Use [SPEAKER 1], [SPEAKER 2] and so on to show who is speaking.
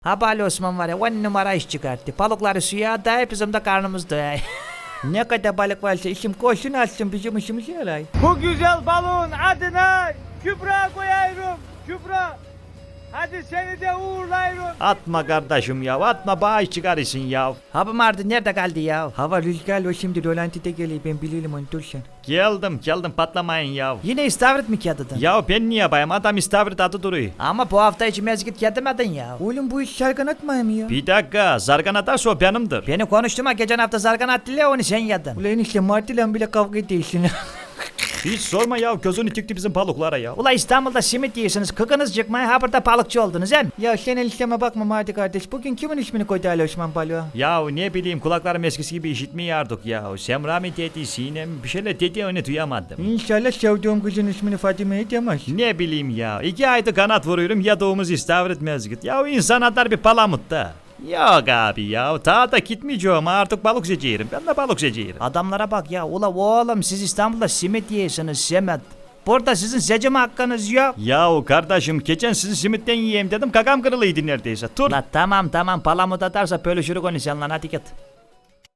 [SPEAKER 1] Ha Bali Osman var ya 10 numara iş çıkarttı. Balıkları suya atayıp bizim de karnımız doyay. Ne kadar balık varsa işim koşsun açsın bizim işimiz yaray.
[SPEAKER 2] Bu güzel balığın adına Kübra koyuyorum. Kübra. Hadi seni de uğurlayırım.
[SPEAKER 3] Atma kardeşim ya, atma bağış çıkarırsın ya.
[SPEAKER 1] Hava Mardin nerede kaldı ya? Hava rüzgarlı o şimdi rolantide geliyor ben bilirim onu dur sen.
[SPEAKER 3] Geldim patlamayın ya.
[SPEAKER 1] Yine istavrit mi kağıdın?
[SPEAKER 3] Ya ben niye bayım, adam istavrit adı duruyor.
[SPEAKER 1] Ama bu hafta hiç mezgit yedemedin ya.
[SPEAKER 4] Oğlum bu iş şarkın atmayayım ya.
[SPEAKER 3] Bir dakika, zargan atarsa o benimdir.
[SPEAKER 1] Beni konuşturma geçen hafta zargan attılar onu sen yedin.
[SPEAKER 4] Ulan işte Martı'yla bile kavga ediyorsun.
[SPEAKER 3] Hiç sorma ya, gözünü tüktü bizim balıklara ya.
[SPEAKER 1] Ula İstanbul'da simit yiyorsunuz kıkınız çıkmaya ha burada balıkçı oldunuz hem.
[SPEAKER 4] Ya sen el işleme bakma Martı kardeş. Bugün kimin ismini koydu Ali Osman balığa?
[SPEAKER 3] Ya ne bileyim, kulaklarım eskisi gibi işitmiyor artık ya. Semra mı dedi, Sinem mi, bir şeyler dedi, onu duyamadım.
[SPEAKER 4] İnşallah sevdiğim kızın ismini Fatime'ye demez.
[SPEAKER 3] Ne bileyim ya, 2 aydır kanat vuruyorum ya doğumuz istavrit mezgit. Ya insan atar bir palamut da. Yok abi ya, ta da gitmeyeceğim artık, balık seçerim. Ben de balık seçerim.
[SPEAKER 1] Adamlara bak ya ula oğlum siz İstanbul'da simit yiyorsunuz simit. Burada sizin seçim hakkınız yok.
[SPEAKER 3] Yahu kardeşim, geçen sizi simitten yiyeyim dedim, kakam kırılıydı neredeyse. Dur.
[SPEAKER 1] La tamam palamut atarsa bölüşürük onu seninle hadi git.